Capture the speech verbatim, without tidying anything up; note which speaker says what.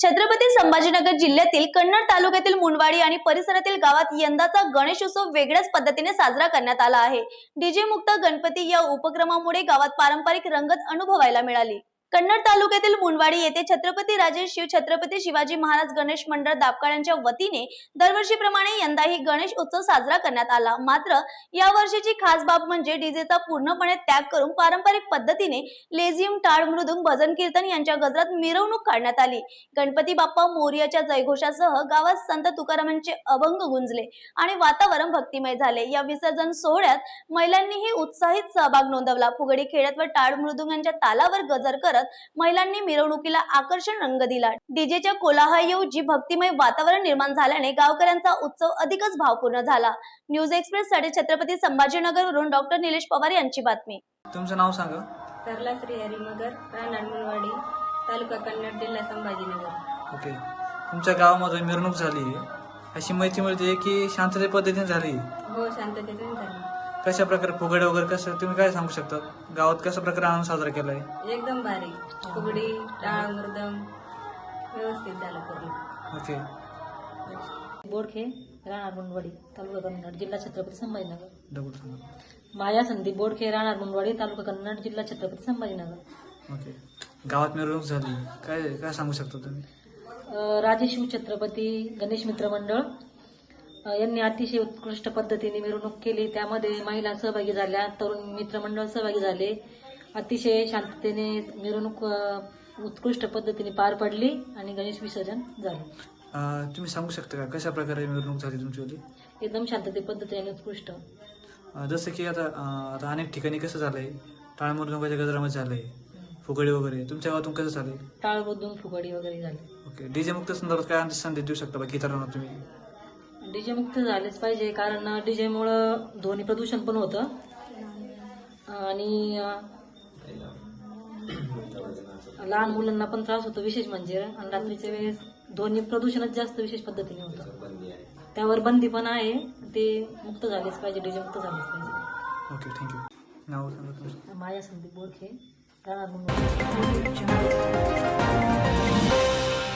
Speaker 1: छत्रपती संभाजीनगर जिल्ह्यातील कन्नड तालुक्यातील मुंडवाडी आणि परिसरातील गावात यंदाचा गणेशोत्सव वेगळ्याच पद्धतीने साजरा करण्यात आला आहे। डीजे मुक्त गणपती या उपक्रमामुळे गावात पारंपरिक रंगत अनुभवायला मिळाली। कन्नड तालुक्यातील मुंडवाडी येथे छत्रपती राजे शिव छत्रपती शिवाजी महाराज गणेश मंडळ दापकाळ्यांच्या वतीने दरवर्षीप्रमाणे यंदाही गणेश उत्सव साजरा करण्यात आला। मात्र या वर्षीची खास बाब म्हणजे डीजेचा पूर्णपणे त्याग करून पारंपरिक पद्धतीने लेझियम, टाळ, मृदुंग, भजन कीर्तन यांच्या गजरात मिरवणूक काढण्यात आली। गणपती बाप्पा मोरयाच्या जयघोषासह गावात संत तुकारामांचे अभंग गुंजले आणि वातावरण भक्तिमय झाले। या विसर्जन सोहळ्यात महिलांनीही उत्साहित सहभाग नोंदवला। फुगडी खेळत व टाळ मृदुंगांच्या तालावर गजर करत महिलांनी मिरवणुकीला आकर्षक रंग दिला। डीजेच्या कोलाहलाऐवजी भक्तिमय वातावरण निर्माण झाल्याने गावकऱ्यांचा उत्सव अधिकच भावपूर्ण झाला। न्यूज एक्सप्रेस साठी छत्रपती संभाजीनगरवरून डॉक्टर निलेश पवार यांची बातमी।
Speaker 2: तुमचं नाव सांगा।
Speaker 3: सरला श्री हरिमगर, राहणार मुंडवाडी, तालुका कन्नड, जिल्हा संभाजीनगर।
Speaker 2: ओके, तुमच्या गावामध्ये मिरवणूक झाली आहे, अशी माहिती मिळते की शांतते पद्धतीने झाली?
Speaker 3: हो, शांततेतून झाली।
Speaker 2: कशा प्रकारे फुगडे वगैरे कसं तुम्ही काय सांगू शकता? गावात कशा प्रकारे आनंद साजरा केलाय?
Speaker 3: एकदम भारी फुगडी, टाळ, मृदंग व्यवस्थित झालं पूर्ण।
Speaker 2: ओके,
Speaker 4: बोडखे, राहणार मुंडवाडी, तालुका कन्नड, जिल्हा छत्रपती संभाजीनगर।
Speaker 2: डबल सांगा।
Speaker 4: माया संदीप बोडखे, राहणार मुंडवाडी, तालुका कन्नड, जिल्हा छत्रपती संभाजीनगर।
Speaker 2: ओके, गावात मिरवणूक झाली, काय काय सांगू शकता तुम्ही?
Speaker 4: अ, राजे शिव छत्रपती गणेश मित्र मंडळ अ, यांनी अतिशय उत्कृष्ट पद्धतीने मिरवणूक केली। त्यामध्ये महिला सहभागी झाल्या, तरुण मित्र मंडळ सहभागी झाले। अतिशय शांततेने मिरवणूक अ, उत्कृष्ट पद्धतीने पार पडली आणि गणेश विसर्जन झाले।
Speaker 2: अं, तुम्ही सांगू शकता का कशा प्रकारे मिरवणूक झाली तुमची?
Speaker 4: एकदम शांतते पद्धतीने उत्कृष्ट।
Speaker 2: अं, जसं की आता अं, आता अनेक ठिकाणी कसं झालंय, टाळ मृदुंगाच्या गजरामध्ये झालंय, फुगडी वगैरे, तुमच्या गावातून कसं झालंय?
Speaker 4: टाळ मृदुंग, फुगडी वगैरे झाली।
Speaker 2: ओके, डीजे मुक्त संदर्भात काय संदेश देऊ शकता बाकी इतरांना तुम्ही?
Speaker 4: डीजे मुक्त झालेच पाहिजे, कारण डीजे मुळे ध्वनी प्रदूषण पण होतं आणि लहान मुलांना पण त्रास होतो, विशेष म्हणजे आणि रात्रीच्या वेळेस ध्वनी प्रदूषणच जास्त विशेष पद्धतीने होतं। त्यावर बंदी पण आहे, ते मुक्त झालेच पाहिजे, डीजे मुक्त झालेच पाहिजे।
Speaker 2: Okay, thank you. नाव सांगा तुमचं।
Speaker 4: माया संदीप बोडखे, राहणार मुंबई।